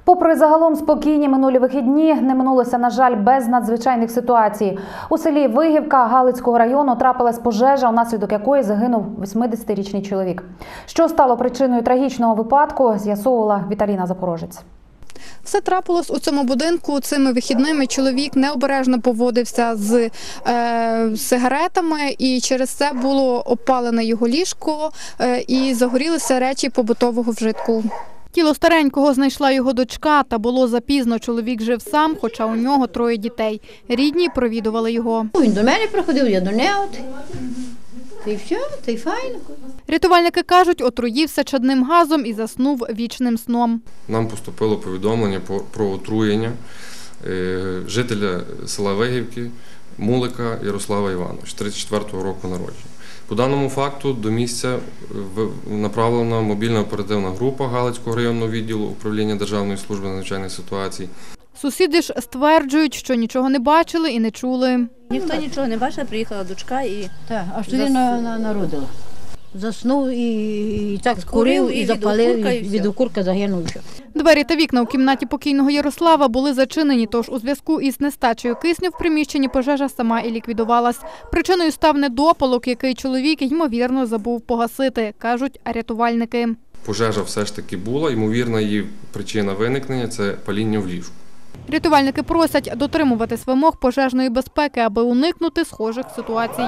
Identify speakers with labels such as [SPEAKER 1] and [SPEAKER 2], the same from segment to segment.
[SPEAKER 1] Попри загалом спокійні минулі вихідні, не минулося, на жаль, без надзвичайних ситуацій. У селі Вигівка Галицького району трапилась пожежа, унаслідок якої загинув 80-річний чоловік. Що стало причиною трагічного випадку, з'ясовувала Віталіна Запорожець.
[SPEAKER 2] Все трапилось у цьому будинку. Цими вихідними чоловік необережно поводився з сигаретами, і через це було обпалене його ліжко і загорілися речі побутового вжитку. Тіло старенького знайшла його дочка, та було запізно. Чоловік жив сам, хоча у нього 3 дітей. Рідні провідували його.
[SPEAKER 3] Він до мене приходив, я до нього. Та й все, та й файно.
[SPEAKER 2] Рятувальники кажуть, отруївся чадним газом і заснув вічним сном.
[SPEAKER 4] Нам поступило повідомлення про отруєння жителя села Вигівки Мулика Ярослава Івановича, 34-го року народження. По даному факту до місця направлена мобільна оперативна група Галицького районного відділу управління Державної служби надзвичайних ситуацій.
[SPEAKER 2] Сусіди ж стверджують, що нічого не бачили і не чули.
[SPEAKER 5] Ніхто нічого не бачив, приїхала дочка і...
[SPEAKER 3] Так, аж тоді народила. Заснув і так курив, і запалив, і від окурка загинув.
[SPEAKER 2] Двері та вікна у кімнаті покійного Ярослава були зачинені, тож у зв'язку із нестачею кисню в приміщенні пожежа сама і ліквідувалась. Причиною став недопалок, який чоловік, ймовірно, забув погасити, кажуть рятувальники.
[SPEAKER 4] Пожежа все ж таки була, ймовірна її причина виникнення – це паління в ліжку.
[SPEAKER 2] Рятувальники просять дотримуватись вимог пожежної безпеки, аби уникнути схожих ситуацій.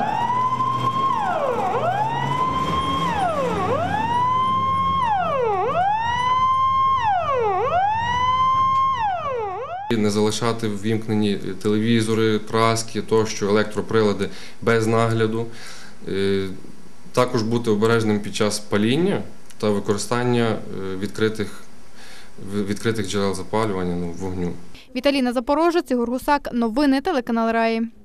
[SPEAKER 4] Не залишати ввімкнені телевізори, праски, тощо, електроприлади без нагляду. Також бути обережним під час паління та використання відкритих джерел запалювання, вогню.
[SPEAKER 2] Віталіна Запорожець, Ігор Гусак. Новини телеканал Раї.